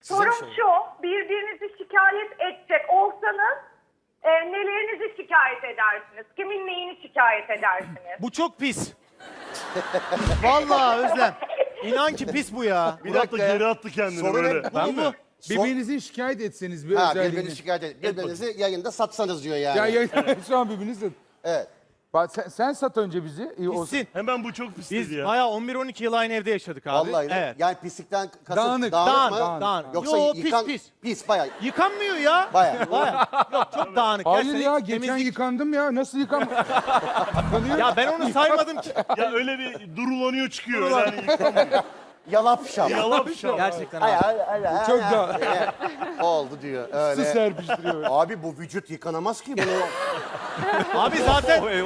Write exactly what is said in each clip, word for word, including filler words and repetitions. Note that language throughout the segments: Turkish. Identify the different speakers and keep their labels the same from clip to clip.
Speaker 1: Sorum
Speaker 2: Size mi
Speaker 1: şu, birbirinizi şikayet edecek olsanız e, nelerinizi şikayet edersiniz? Kimin neyini şikayet edersiniz?
Speaker 3: Bu çok pis. Vallahi Özlem. İnan ki pis bu ya.
Speaker 2: Bir
Speaker 4: Murat da
Speaker 2: dakika ya.
Speaker 4: geri attı kendini
Speaker 2: Sorun
Speaker 4: böyle.
Speaker 2: hep bu
Speaker 3: Ben
Speaker 2: mu?
Speaker 3: bu.
Speaker 5: Birbirinizin şikayet etseniz bir
Speaker 2: Ha,
Speaker 5: özelliğini.
Speaker 2: birbirini şikayet edin. Birbirinizi yayında satsanız diyor yani.
Speaker 5: Ya, ya şu an birbirinizi.
Speaker 2: Evet.
Speaker 5: Bak sen, sen sat önce bizi. İyi olsun.
Speaker 3: Pissin.
Speaker 4: Hemen bu çok pis
Speaker 3: Biz
Speaker 4: dedi ya.
Speaker 3: bayağı on bir on iki yıl aynı evde yaşadık abi.
Speaker 2: Vallahi.
Speaker 3: Evet.
Speaker 2: Yani pislikten kasıt
Speaker 5: Dağınık,
Speaker 2: dağınık,
Speaker 3: Dağınık,
Speaker 2: mı?
Speaker 3: dağınık, dağınık.
Speaker 2: Yoksa
Speaker 3: Yo, pis,
Speaker 2: yıkan,
Speaker 3: pis.
Speaker 2: Pis bayağı.
Speaker 3: Yıkanmıyor ya.
Speaker 2: Bayağı.
Speaker 3: Bayağı. Yok çok dağınık.
Speaker 5: Hayır
Speaker 3: Gerçekten
Speaker 5: ya
Speaker 3: hiç
Speaker 5: geçen
Speaker 3: temizlik-
Speaker 5: yıkandım ya. Nasıl yıkam? Yıkanıyor.
Speaker 3: Ya ben onu saymadım ki.
Speaker 4: Ya öyle bir durulanıyor çıkıyor.
Speaker 3: Durulan-
Speaker 4: Yani yıkamıyor.
Speaker 2: Yalap şap.
Speaker 4: Yalap şap.
Speaker 3: Gerçekten
Speaker 2: Ay,
Speaker 3: abi.
Speaker 2: ay, ay, ay,
Speaker 5: Çok
Speaker 2: ay.
Speaker 5: da
Speaker 2: Evet. Oldu diyor.
Speaker 5: su
Speaker 2: Öyle.
Speaker 5: serpiştiriyor.
Speaker 2: Abi bu vücut yıkanamaz ki bunu.
Speaker 3: Abi zaten
Speaker 2: Böyle.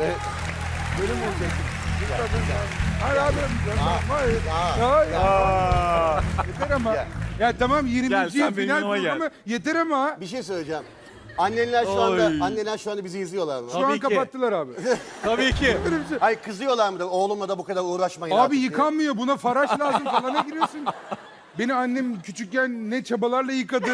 Speaker 5: Hayır abi. Hayır. Hayır.
Speaker 4: Aa,
Speaker 5: Yeter ama. Ya tamam yirminci yıl final programı yeter ama.
Speaker 2: Bir şey söyleyeceğim. Annenler şu anda, anneler şu anda bizi izliyorlar mı?
Speaker 5: Şu
Speaker 3: Tabii
Speaker 5: an
Speaker 3: ki.
Speaker 5: kapattılar abi.
Speaker 3: tabii ki.
Speaker 2: Hayır kızıyorlar mı da oğlumla da bu kadar uğraşmayın
Speaker 5: Abi
Speaker 2: artık diye.
Speaker 5: yıkanmıyor buna faraş lazım falan ne giriyorsun? Beni annem küçükken ne çabalarla yıkadı.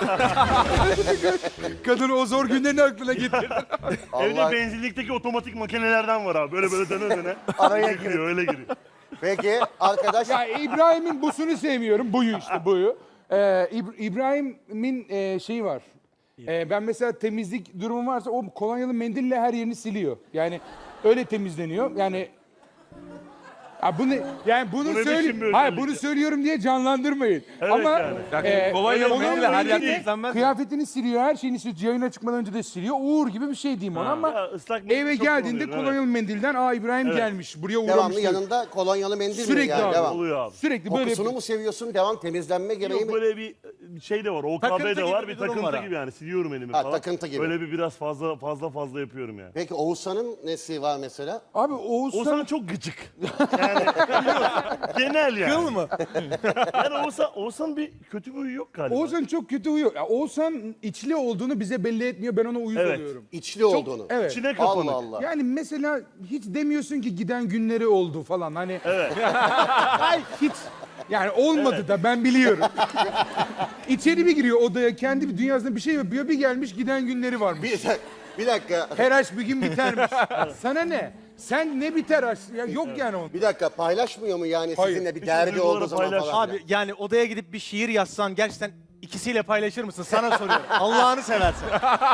Speaker 5: Kadın o zor günlerini aklına getirdi.
Speaker 4: evde
Speaker 2: Allah-
Speaker 4: benzinlikteki otomatik makinelerden var abi. Böyle böyle döne döne.
Speaker 2: Araya
Speaker 4: Öyle giriyor, öyle giriyor.
Speaker 2: Peki arkadaş
Speaker 5: Ya İbrahim'in busunu sevmiyorum. Buyu işte buyu. Ee, İb- İbrahim'in e, şeyi var. Ee, ben mesela temizlik durumu varsa o kolonyalı mendille her yerini siliyor. Yani öyle temizleniyor. Yani ya bunu yani bunu
Speaker 4: Bu ne biçim
Speaker 5: söyle
Speaker 4: bir
Speaker 5: hayır
Speaker 4: özellik
Speaker 5: bunu söylüyorum diye canlandırmayın.
Speaker 4: Evet
Speaker 5: Ama
Speaker 4: yani.
Speaker 5: e,
Speaker 6: Kolonyalı
Speaker 5: onun
Speaker 6: mendille her yer
Speaker 5: önce de
Speaker 6: temizlenmez mi?
Speaker 5: kıyafetini siliyor, her şeyini siliyor. Yayına çıkmadan önce de siliyor. Uğur gibi bir şey diyeyim ona ama
Speaker 4: Ya, ıslak mendil
Speaker 5: eve
Speaker 4: çok
Speaker 5: geldiğinde
Speaker 4: kullanıyorum,
Speaker 5: kolonyalı mendilden aa İbrahim
Speaker 4: Evet.
Speaker 5: gelmiş. Buraya uğramış.
Speaker 2: devamlı
Speaker 5: diyor.
Speaker 2: yanında kolonyalı mendil mi
Speaker 5: Sürekli
Speaker 2: yani?
Speaker 5: abi.
Speaker 2: Devam.
Speaker 4: Oluyor abi.
Speaker 5: Sürekli böyle
Speaker 2: Kokusunu mu seviyorsun? Devam temizlenme gereği
Speaker 4: Yok
Speaker 2: mi?
Speaker 4: böyle bir şey de var. O
Speaker 3: Takıntı
Speaker 4: kahve de
Speaker 3: gibi
Speaker 4: var.
Speaker 3: bir
Speaker 4: Bir
Speaker 3: durum
Speaker 4: takıntı
Speaker 3: var abi.
Speaker 4: gibi yani. Siliyorum elimi
Speaker 2: Ha,
Speaker 4: falan.
Speaker 2: takıntı gibi.
Speaker 4: Böyle bir biraz fazla fazla fazla yapıyorum yani.
Speaker 2: Peki Oğuzhan'ın nesi var mesela?
Speaker 5: Abi Oğuzhan
Speaker 4: Oğuzhan çok gıcık. Yani genel yani.
Speaker 3: Kıl mı?
Speaker 4: Yani Oğuzhan, Oğuzhan bir kötü bir huyu yok galiba.
Speaker 5: Oğuzhan çok kötü uyuyor. Ya Oğuzhan içli olduğunu bize belli etmiyor. Ben ona uyuz
Speaker 4: Evet.
Speaker 5: oluyorum.
Speaker 2: İçli olduğunu.
Speaker 5: Evet.
Speaker 4: İçine kapanık.
Speaker 2: Allah Allah.
Speaker 5: Yani mesela hiç demiyorsun ki giden günleri oldu falan. Hani
Speaker 4: Evet.
Speaker 5: Hayır, hiç yani olmadı da ben biliyorum. İçeri bir giriyor odaya kendi bir dünyasında bir şey yapıyor. Bir gelmiş giden günleri varmış.
Speaker 2: Bir, bir dakika.
Speaker 5: Her aşk bir gün bitermiş. Sana ne? Sen ne biter aşk? Ya yok yani onun.
Speaker 2: Bir dakika paylaşmıyor mu yani
Speaker 5: Hayır.
Speaker 2: sizinle bir
Speaker 4: Hiç
Speaker 2: derdi
Speaker 4: duyguları
Speaker 2: olduğu zaman
Speaker 4: paylaş-
Speaker 2: falan?
Speaker 3: Abi yani odaya gidip bir şiir yazsan gerçekten ikisiyle paylaşır mısın? Sana soruyorum. Allah'ını seversen.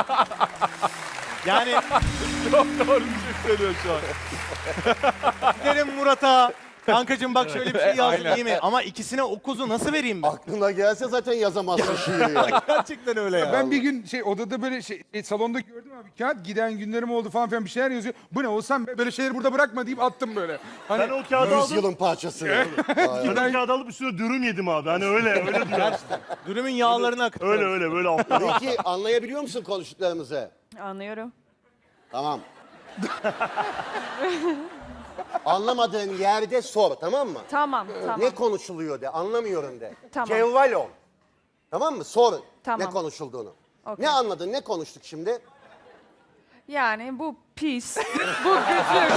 Speaker 3: Yani
Speaker 6: Çok doğru bir şey söylüyor şu an.
Speaker 3: derim Murat'a. Kankacığım bak şöyle bir şey yazdım iyi mi? Ama ikisine o kuzu nasıl vereyim ben?
Speaker 2: Aklına gelse zaten yazamazsın şiiri yani.
Speaker 3: Gerçekten öyle ya.
Speaker 5: Ben bir gün şey odada böyle şey e, salonda gördüm abi kağıt giden günlerim oldu falan filan bir şeyler yazıyor. Bu ne olsam böyle şeyleri burada bırakma deyip attım böyle. Hani
Speaker 4: Ben o kağıdı aldım.
Speaker 2: Yüzyılın parçası.
Speaker 4: Ben o kağıdı alıp üstüne dürüm yedim abi. Hani öyle öyle diyor.
Speaker 3: Dürümün yağlarını akıtıyorum.
Speaker 4: Öyle öyle böyle alttan.
Speaker 2: Peki anlayabiliyor musun konuştuklarımızı?
Speaker 7: Anlıyorum.
Speaker 2: Tamam. Anlamadığın yerde sor tamam mı?
Speaker 7: Tamam, tamam.
Speaker 2: Ne konuşuluyor de anlamıyorum de.
Speaker 7: Tamam.
Speaker 2: Cevval ol. Tamam mı? Sor
Speaker 7: Tamam.
Speaker 2: ne konuşulduğunu.
Speaker 7: Okey.
Speaker 2: Ne anladın ne konuştuk şimdi?
Speaker 7: Yani bu pis, bu kötü.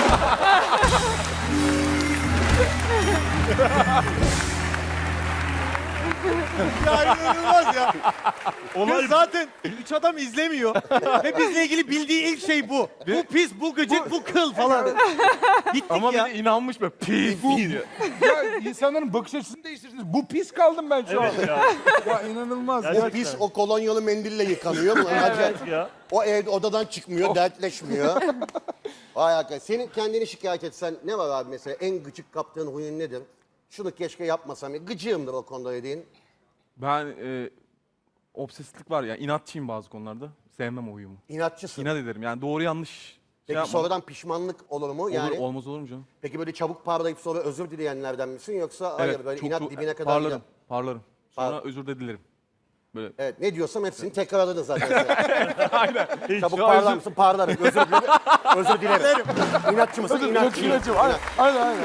Speaker 3: Ya inanılmaz ya.
Speaker 4: Olay
Speaker 3: Kız zaten üç adam izlemiyor. Ve bizle ilgili bildiği ilk şey bu. Bu pis, bu gıcık, bu kıl falan. Bittik
Speaker 6: Ama bir
Speaker 3: ya.
Speaker 6: de inanmış böyle pis diyor.
Speaker 5: ya insanların bakış açısını değiştirdiniz. Bu pis kaldım ben şu an.
Speaker 4: evet ya.
Speaker 5: Ya inanılmaz.
Speaker 2: O pis o kolonyalı mendille yıkanıyor mu? Acayip.
Speaker 4: Evet ya.
Speaker 2: O ev odadan çıkmıyor, dertleşmiyor. Vay arkadaş. Senin kendini şikayet etsen ne var abi mesela? En gıcık kaptığın huyun nedir? Şunu keşke yapmasam. Gıcığımdır o konuda dediğin.
Speaker 6: Ben e, obsesiflik var ya, inatçıyım bazı konularda. Sevmem o uyumu.
Speaker 2: İnatçısın.
Speaker 6: İnat ederim yani doğru yanlış şey
Speaker 2: Peki
Speaker 6: yapmam.
Speaker 2: sonradan pişmanlık olur mu? Yani
Speaker 6: Olur, olmaz olur mu canım?
Speaker 2: peki böyle çabuk parlayıp sonra özür dileyenlerden misin yoksa hayır böyle
Speaker 6: çok
Speaker 2: inat
Speaker 6: do-
Speaker 2: dibine kadar
Speaker 6: parlarım,
Speaker 2: gider?
Speaker 6: parlarım. Sonra
Speaker 2: Par-
Speaker 6: özür de dilerim. Böyle
Speaker 2: Evet ne diyorsam hepsini tekrarladın zaten. sen.
Speaker 4: Hiç.
Speaker 2: Çabuk
Speaker 6: Ya
Speaker 2: parlar
Speaker 6: özür-
Speaker 2: mısın? Parlarım. Özür dilerim. Özür dilerim. İnatçı mısın? İnatçıyım.
Speaker 5: Aynen aynen. aynen.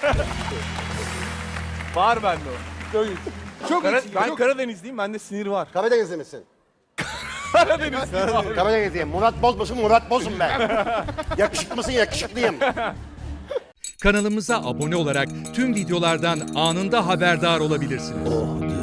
Speaker 6: var bende o.
Speaker 5: Çok, çok
Speaker 6: Kara-
Speaker 5: içi-
Speaker 6: ben
Speaker 5: çok-
Speaker 6: Karadenizliyim, bende sinir var.
Speaker 2: Karadenizli misin?
Speaker 6: Karadenizliyim abi.
Speaker 2: Karadenizliyim. Murat Boz musun? Murat Boz'um ben. Yakışıklı mısın? Yakışıklıyım.
Speaker 8: Kanalımıza abone olarak tüm videolardan anında haberdar olabilirsiniz.